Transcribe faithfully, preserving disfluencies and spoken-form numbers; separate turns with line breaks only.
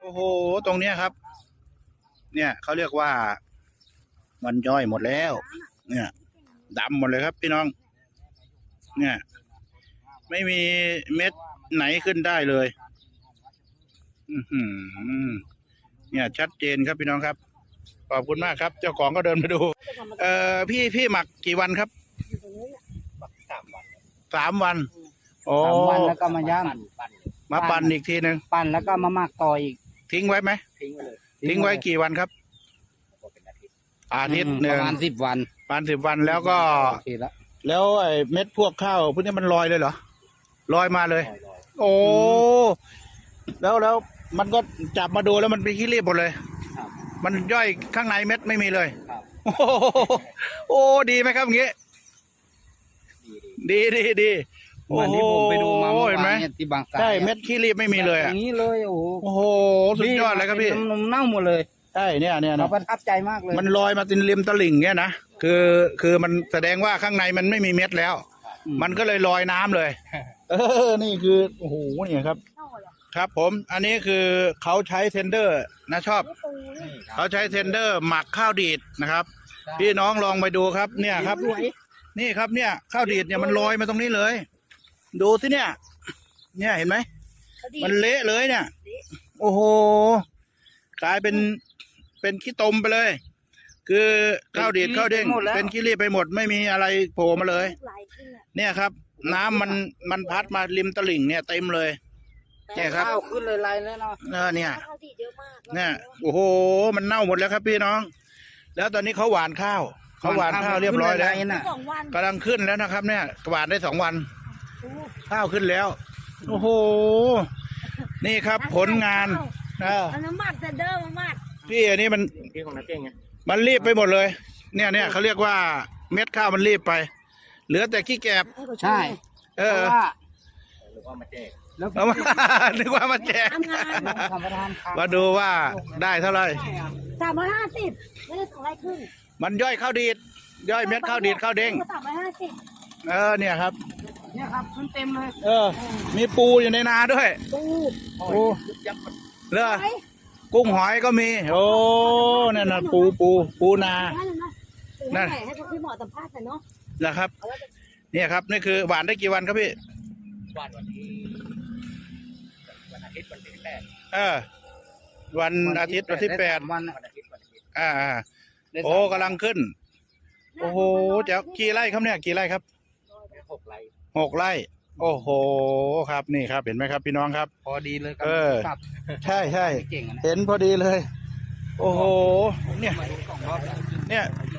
โอ้โหตรงเนี้ยครับ เนี่ยเขาเรียกว่ามันย่อยหมดแล้ว เนี่ยดำหมดเลยครับพี่น้อง เนี่ย ไม่มีเม็ดไหนขึ้นได้เลย อือหือเนี่ยชัดเจนครับพี่น้องครับขอบคุณมากครับ เจ้าของก็เดินมาดู เอ่อพี่พี่หมักกี่วันครับสามวันสามวันโอ้
สามวันแล้วก็มาย่าง
มาปั่นอีกทีหนึ่ง
ปั่นแล้วก็มาหมักต่ออีก
ทิ้งไว้ไหม
ทิ้งไว้เลย
ทิ้งไว้กี่วันครับอาทิตย์หนึ่ง
ประมาณสิบวัน
ประมาณสิบวันแล้วก็
โอเคแล้ว
แล้วไอ้เม็ดพวกข้าวพวกนี้มันลอยเลยเหรอลอยมาเลย โอ้แล้วแล้วมันก็จับมาดูแล้วมันเป็นขี้รีบหมดเลย
ครับ
มันย่อยข้างในเม็ดไม่มีเลย
ครับ
โอ้โหโอ้ดีไหมครับอย่างงี้ ดีดีดี
วันนี้ผมไปดูมาเมื่อ
เห็นไหม
วานเนี่ยที่บางสาย
ใช่เม็ดขี้รีบไม่มีเลย
อ
อ่ะ
ย่างนี้เลยโอ้โห
โอ้โหสุดยอดเลยครับพี่
นมเน่าหมดเลย
ใช่เนี่ยเนี่ย
เรา
นะ
ประทับใจมากเลย
มันลอยมาตินริมตลิ่งเนี่ยนะคือคือมันแสดงว่าข้างในมันไม่มีเม็ดแล้ว มันก็เลยลอยน้ำเลย เออ นี่คือโอ้โหเนี่ยครับ ครับผม อันนี้คือเขาใช้เทนเดอร์นะชอบ เขาใช้เทนเดอร์หมักข้าวดีดนะครับ พี่น้องลองไปดูครับ เนี่ยครับ นี่ครับเนี่ยข้าวดีดเนี่ยมันลอยมาตรงนี้เลย ดูสิเนี่ย เนี่ยเห็นไหม มันเละเลยเนี่ย โอ้โห กลายเป็นเป็นขี้ตมไปเลย คือข้าวดีดข้าวเด้งเป็นขี้รีบไปหมดไม่มีอะไรโผล่มาเลย เนี่ยครับ น้ำมันมันพัดมาริมตลิ่งเนี่ยเต็มเลย เนี่ยครับ
ข้าวขึ้นเลยลายเลยเนาะ
เออเนี่ย เนี่ยโอ้โหมันเน่าหมดแล้วครับพี่น้อง แล้วตอนนี้เขาหว่านข้าวเขาหว่านข้าวเรียบร้อยแล้ว
ขึ้นเลยลายน่ะ
กำลังขึ้นแล้วนะครับ เนี่ยหว่านได้สองวัน ข้าวขึ้นแล้ว โอ้โห นี่ครับผลงานเออ
เอาน้ำหมักแต่เดิมมาหมัก
พี่อันนี้มัน
พี่ของนักเก่งไง
มันรีบไปหมดเลย เนี่ยเนี่ยเขาเรียกว่าเม็ดข้าวมันรีบไป เหลือแต่ขี้แกบ
ใช่
เอ
เพ
อ
ราะว่า
หรือว่ามาแจก
แล้ว
เอามา นึกว่ามาแจก
ทำงาน
ทำประทานข้าว
มาดูว่าได้เท่าไหร่
สามร้อยห้าสิบไม่ได้สองร้อยครึ่ง
มันย่อยข้าวดีด ย่อยเม็ดข้าวดีดข้าวเด้ง
สามร้อยห้าสิบ
เออเนี่ยครับ
เนี่ยครับขึ้นเต็มเลย
เออ มีปูอยู่ในนาด้วย
ปู
ปูเลือกุ้งหอยก็มี โอ้นั่นน่ะปูปูปูนา
ได้เลยเนาะปู
นั่
ให้
น
ให้พี่หมอสัมภาษณ์หน่อยเนาะ
นะครับ
เอาไว้จะ
เนี่ยครับนี่คือหวานได้กี่วันครับพี่
วันวันที่วันอาทิตย์วันที่แปด
เออ วันอาทิตย์วันที่แปด
วันน่ะ
วันอาทิตย์วันอาทิตย์
อ่าอ่า
ได้
โอ้
สามวัน
กำลังขึ้น โอ้โหเจ้ากี่ไร่ครับเนี่ยกี่ไร่ครับ
หกไร่
หกไร่ โอ้โหครับนี่ครับเห็นไหมครับ พี่น้องครับ
พอดีเลยครั
เออ
กลับ
ใช่ใช่
เก่งอะนะ
เห็นพอดีเลย โอ้โห เนี่ย
มาดูสองรอบแล้ว
เนี่ย